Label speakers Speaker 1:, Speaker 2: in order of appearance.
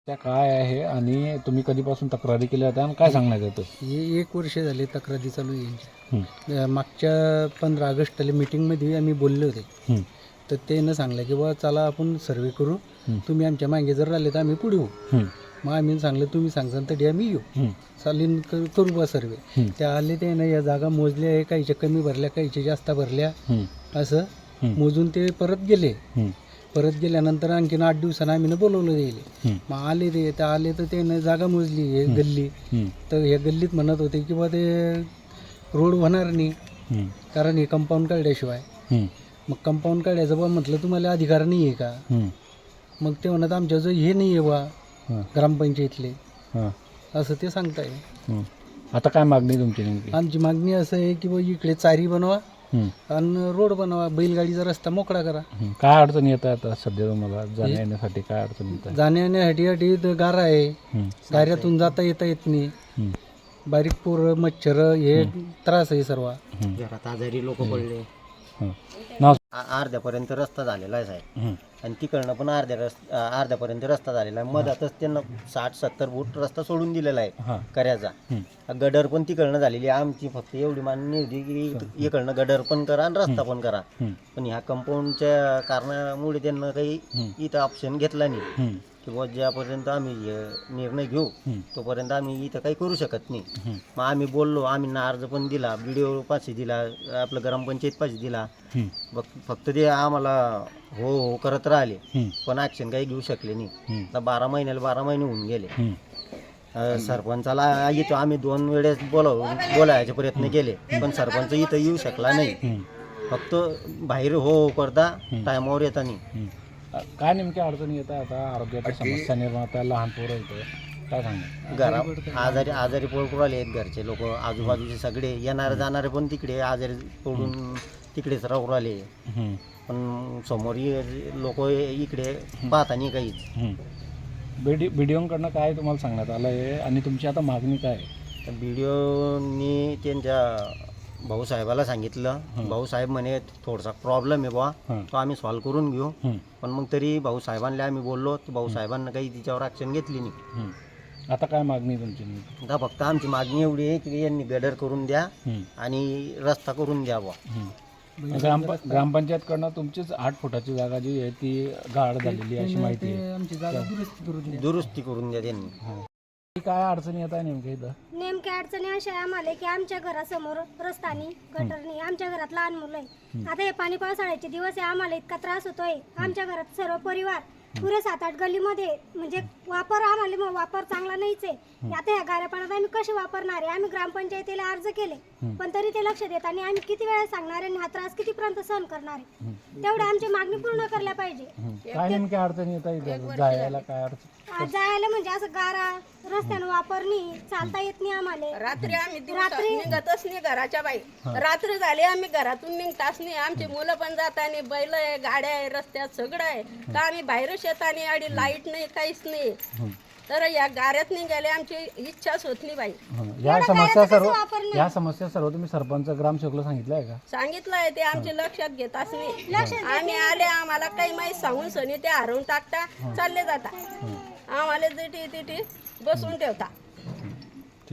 Speaker 1: त्या काय आहे आणि तुम्ही कधीपासून तक्रारी केल्या होत्या आणि काय सांगण्यात येतं?
Speaker 2: हे 1 वर्ष झाले तक्रारी चालू आहे. मागच्या 15 ऑगस्टला मीटिंगमध्ये आम्ही बोलले होते. तर त्यानं सांगलं की बा चला आपण सर्वे करू, तुम्ही आमच्या मागे जर राहिले तर आम्ही पुढे येऊ. मग आम्ही सांगलं तुम्ही सांगसान तरी आम्ही येऊ, चालीन करू बा सर्वे. त्या आले त्यानं या जागा मोजल्या आहे, काहीच्या कमी भरल्या काहीच्या जास्त भरल्या, असं मोजून ते परत गेले. परत गेल्यानंतर आणखीन 8 दिवसांना आम्ही बोलवलं गेले. मग आले ते तर आले तर त्यानं जागा मोजली हे गल्ली. तर या गल्लीत म्हणत होते की बा ते रोड होणार नाही, कारण हे कंपाऊंड काढल्याशिवाय. मग कंपाऊंड काढायचं बा म्हटलं तुम्हाला अधिकार नाही आहे का? मग ते म्हणत आमच्याजवळ हे नाही आहे बा ग्रामपंचायतले, असं ते सांगताय.
Speaker 1: आता काय मागणी तुमची नेमकी?
Speaker 2: आमची मागणी असं आहे की बा इकडे चारी बनवा आणि रोड बनवा, बैलगाडीचा रस्ता मोकळा करा.
Speaker 1: काय अडचण येत आहे आता सध्या तुम्हाला जाण्या येण्यासाठी? काय अडचण येत आहे?
Speaker 2: जाण्या येण्यासाठी तर गारा आहे, गाऱ्यातून जाता येत नाही. बारीक पोरं मच्छर हे त्रास आहे सर्व.
Speaker 3: घरात आजारी लोक पडले.
Speaker 1: नाव
Speaker 3: अर्ध्यापर्यंत रस्ता झालेला आहे साहेब, आणि तिकडनं पण अर्ध्यापर्यंत रस्ता झालेला आहे. मधातच त्यांना 60-70 फूट रस्ता सोडून दिलेला आहे करायचा. गडर पण तिकडनं झालेली आहे. आमची फक्त एवढी मागणी होती की इकडनं गडर पण करा आणि रस्ता पण करा. पण ह्या कंपाऊंडच्या कारणामुळे त्यांना काही इथं ऑप्शन घेतला नाही किंवा ज्यापर्यंत आम्ही निर्णय घेऊ तोपर्यंत आम्ही इथं काही करू शकत नाही. मग आम्ही बोललो, आम्ही अर्ज पण दिला, BDO पाशी दिला, आपलं ग्रामपंचायत पाशी दिला. फक्त ते आम्हाला हो हो करत राहिले, पण ॲक्शन काही घेऊ शकले नाही. आता 12 महिने होऊन गेले. सरपंचाला इथं आम्ही 2 वेळेस बोलायचे प्रयत्न केले, पण सरपंच इथं येऊ शकला नाही. फक्त बाहेर हो करता टायमावर येता नाही.
Speaker 1: काय नेमक्या अडचणी येत आहे? आता आरोग्याच्या समस्या निर्माण होत्या, लहान पोरं येतं, काय सांगणार?
Speaker 3: घरात आजारी पडून राहिले आहेत घरचे लोक, आजूबाजूचे सगळे येणारे जाणारे पण तिकडे आजारी पडून तिकडेच राहू राहिले. पण समोर लोक इकडे पाहता नाही काहीच.
Speaker 1: BDOकडनं काय तुम्हाला सांगण्यात आलं आहे आणि तुमची आता मागणी काय आहे?
Speaker 3: तर BDOनी त्यांच्या भाऊसाहेबाला सांगितलं. भाऊसाहेब म्हणे थोडासा प्रॉब्लेम आहे बा, तो आम्ही सॉल्व्ह करून घेऊ. पण मग तरी भाऊसाहेबांना आम्ही बोललो, तर भाऊसाहेबांना काही तिच्यावर ॲक्शन घेतली नाही.
Speaker 1: आता काय मागणी तुमची?
Speaker 3: आता फक्त आमची मागणी एवढी आहे की यांनी गडर करून द्या आणि रस्ता करून द्यावा.
Speaker 1: ग्रामपंचायतकडनं तुमचीच 8 फुटाची जागा जी आहे ती गाळ झालेली अशी माहिती आहे.
Speaker 2: आमची जागा
Speaker 3: दुरुस्ती करून द्या त्यांनी.
Speaker 1: काय अडचणी येत आहे नेमक्या इथं?
Speaker 4: नेमक्या अडचणी अशा आहे आम्हाला की आमच्या घरासमोर रस्तानी गटरनी, आमच्या घरात लहान मुलं आहे. आता हे पाणी पावसाळ्याचे दिवस आहे, आम्हाला इतका त्रास होतोय. आमच्या घरात सर्व परिवार पुरे 7-8 गल्लीमध्ये म्हणजे वापर चांगला नाहीच आहे. आता ह्या गाऱ्या पाण्यात आम्ही कसे वापरणार आहे? आम्ही ग्रामपंचायतीला अर्ज केले, पण तरी ते लक्ष देत आणि आम्ही किती वेळा सांगणार आहे, हा त्रास कितीपर्यंत सहन करणार आहे? तेवढे आमची मागणी पूर्ण करायला पाहिजे.
Speaker 1: काय नेमक्या अडचणी येत आहे जायला? काय अडचण?
Speaker 4: जायला म्हणजे असं गारा रस्त्यानं वापरणी, चालता येत नाही आम्हाला.
Speaker 5: रात्री आम्ही निघतच नाही घराच्या बाई. रात्र झाली आम्ही घरातून निघताच नाही. आमची मुलं पण जाता नाही, बैल आहे, गाड्या आहे, रस्त्यात सगळं आहे. तर आम्ही बाहेरच येता नाही, आणि लाईट नाही, काहीच नाही. तर या गाड्यात निघाले आमची इच्छाच होत नाही बाई.
Speaker 1: या समस्या सर्व तुम्ही सरपंच ग्रामसेवकला सांगितलं आहे का?
Speaker 5: सांगितलंय, ते आमचे लक्षात घेताच नाही. आम्ही आले, आम्हाला काही माहीत सांगून सनी ते हरवून टाकता, चालले जाता, आम्हाला तिथे बसून ठेवता.